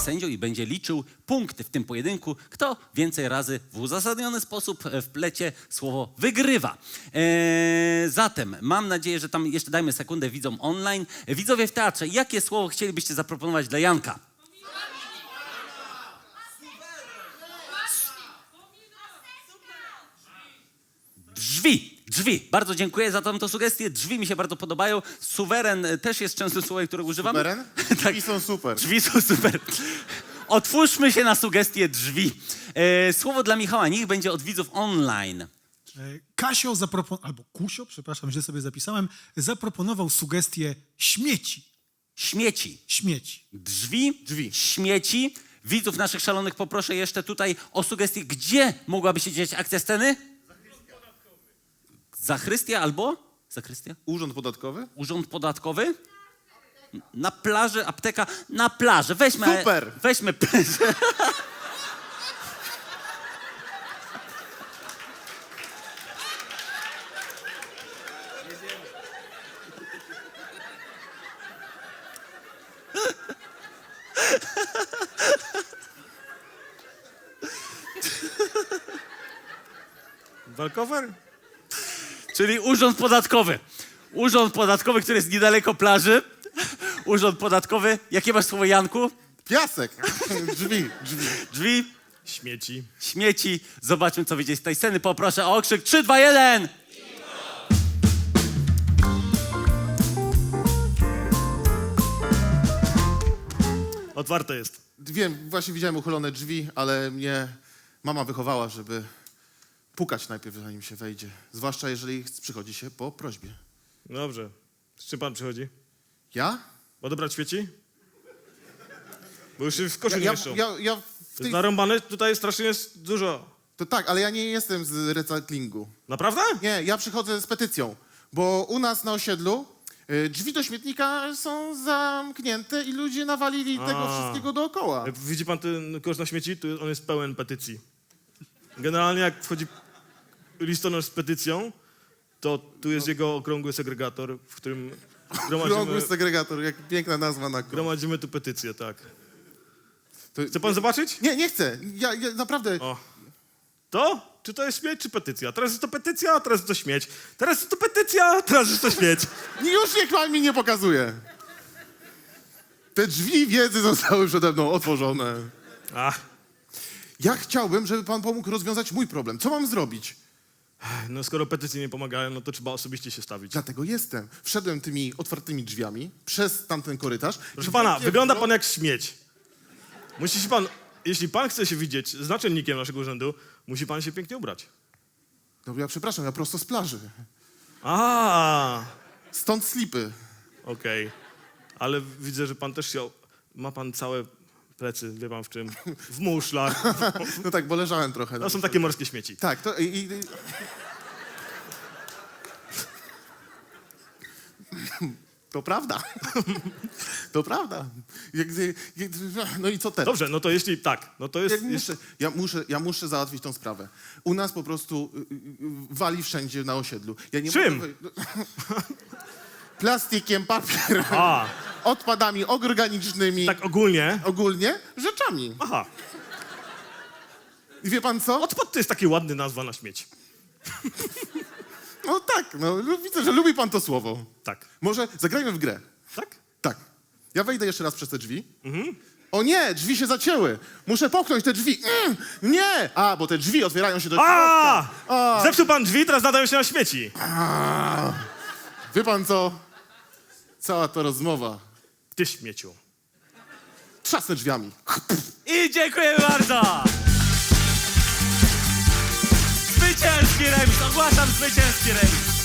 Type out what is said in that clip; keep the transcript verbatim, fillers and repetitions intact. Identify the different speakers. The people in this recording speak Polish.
Speaker 1: sędzią i będzie liczył punkty w tym pojedynku. Kto więcej razy w uzasadniony sposób wplecie słowo wygrywa. Eee, zatem mam nadzieję, że tam jeszcze dajmy sekundę widzom online. Widzowie w teatrze, jakie słowo chcielibyście zaproponować dla Janka? Drzwi, drzwi. Bardzo dziękuję za tą sugestię. Drzwi mi się bardzo podobają. Suweren też jest często słowem, które używamy.
Speaker 2: Suweren?
Speaker 1: Tak.
Speaker 2: Drzwi są super.
Speaker 1: Drzwi są super. Otwórzmy się na sugestię drzwi. E, słowo dla Michała, niech będzie od widzów online.
Speaker 3: E, Kasio zaproponował, albo Kusio, przepraszam, źle sobie zapisałem, zaproponował sugestię śmieci.
Speaker 1: Śmieci.
Speaker 3: Śmieci.
Speaker 1: Drzwi,
Speaker 2: Drzwi.
Speaker 1: śmieci. Widzów naszych szalonych poproszę jeszcze tutaj o sugestię, gdzie mogłaby się dziać akcja sceny? Zachrystia albo? Zachrystia?
Speaker 2: Urząd podatkowy?
Speaker 1: Urząd podatkowy? Na plaży, apteka, na plaży. Weźmy,
Speaker 2: Super.
Speaker 1: Weźmy plażę.
Speaker 2: Walkover?
Speaker 1: Czyli urząd podatkowy. Urząd podatkowy, który jest niedaleko plaży. Urząd podatkowy. Jakie masz słowo, Janku?
Speaker 2: Piasek. Drzwi, drzwi.
Speaker 1: Drzwi,
Speaker 4: Śmieci.
Speaker 1: śmieci. Zobaczmy, co wyjdzie z tej sceny. Poproszę o okrzyk. trzy, dwa, jeden.
Speaker 4: Otwarte jest.
Speaker 2: Wiem, właśnie widziałem uchylone drzwi, ale mnie mama wychowała, żeby pukać najpierw, zanim się wejdzie. Zwłaszcza jeżeli przychodzi się po prośbie.
Speaker 4: Dobrze. Z czym pan przychodzi?
Speaker 2: Ja?
Speaker 4: Odebrać świeci? Bo już się w koszu
Speaker 2: Ja,
Speaker 4: nie
Speaker 2: ja,
Speaker 4: mieszczą.
Speaker 2: ja, ja w
Speaker 4: To
Speaker 2: tej...
Speaker 4: jest narąbane, tutaj strasznie jest dużo.
Speaker 2: To tak, ale ja nie jestem z recyklingu.
Speaker 4: Naprawdę?
Speaker 2: Nie, ja przychodzę z petycją, bo u nas na osiedlu y, drzwi do śmietnika są zamknięte i ludzie nawalili
Speaker 4: A.
Speaker 2: tego wszystkiego dookoła.
Speaker 4: Jak widzi pan ten kosz na śmieci, to on jest pełen petycji. Generalnie jak wchodzi listonosz z petycją, to tu jest jego okrągły segregator, w którym
Speaker 2: Krągły
Speaker 4: gromadzimy,
Speaker 2: segregator, jak piękna nazwa na krąg.
Speaker 4: gromadzimy tu petycję, tak.
Speaker 2: To...
Speaker 4: Chce pan zobaczyć?
Speaker 2: Nie, nie chcę. Ja, ja naprawdę...
Speaker 4: O. To? Czy to jest śmieć, czy petycja? Teraz jest to petycja, a teraz jest to śmieć. Teraz jest to petycja, a teraz jest to śmieć.
Speaker 2: Już niech pan mi nie pokazuje. Te drzwi wiedzy zostały przede mną otworzone.
Speaker 4: Ach,
Speaker 2: Ja chciałbym, żeby pan pomógł rozwiązać mój problem. Co mam zrobić?
Speaker 4: no skoro petycje nie pomagają, no to trzeba osobiście się stawić.
Speaker 2: Dlatego jestem. Wszedłem tymi otwartymi drzwiami przez tamten korytarz.
Speaker 4: Proszę
Speaker 2: I
Speaker 4: pana,
Speaker 2: wielkie
Speaker 4: wygląda
Speaker 2: wro-
Speaker 4: pan jak śmieć. Musi się pan, jeśli pan chce się widzieć z naczelnikiem naszego urzędu, musi pan się pięknie ubrać.
Speaker 2: No ja przepraszam, ja prosto z plaży.
Speaker 4: A,
Speaker 2: Stąd slipy.
Speaker 4: okej. Ale widzę, że pan też się, ma pan całe plecy, wie pan w czym, w muszlach.
Speaker 2: No tak, bo leżałem trochę.
Speaker 4: To są takie morskie śmieci.
Speaker 2: Tak, to... I, i... To prawda. To prawda. Jak, jak, no i co teraz?
Speaker 4: Dobrze, no to jeśli tak, no to jest...
Speaker 2: Ja
Speaker 4: jest
Speaker 2: muszę, ja, muszę, ja muszę załatwić tą sprawę. U nas po prostu y, y, wali wszędzie na osiedlu. Ja nie
Speaker 4: Czym?
Speaker 2: Mogę... wy- Plastikiem, papierem,
Speaker 4: A,
Speaker 2: odpadami organicznymi,
Speaker 4: tak ogólnie.
Speaker 2: ogólnie rzeczami.
Speaker 4: Aha,
Speaker 2: I wie pan co?
Speaker 4: odpad to jest taki ładny nazwa na śmieć.
Speaker 2: No tak, no lu- widzę, że lubi pan to słowo.
Speaker 4: Tak.
Speaker 2: Może zagrajmy w grę.
Speaker 4: Tak?
Speaker 2: Tak. Ja wejdę jeszcze raz przez te drzwi. O nie, drzwi się zacięły. Muszę popchnąć te drzwi. Mm, nie! A, bo te drzwi otwierają się do środka.
Speaker 4: A! Zepsuł pan drzwi, teraz nadają się na śmieci.
Speaker 2: A, wie pan co? Cała ta rozmowa.
Speaker 4: Ty śmieciu.
Speaker 2: Trzasnę drzwiami.
Speaker 1: I dziękuję bardzo! Zwycięski remis! Ogłaszam zwycięski remis!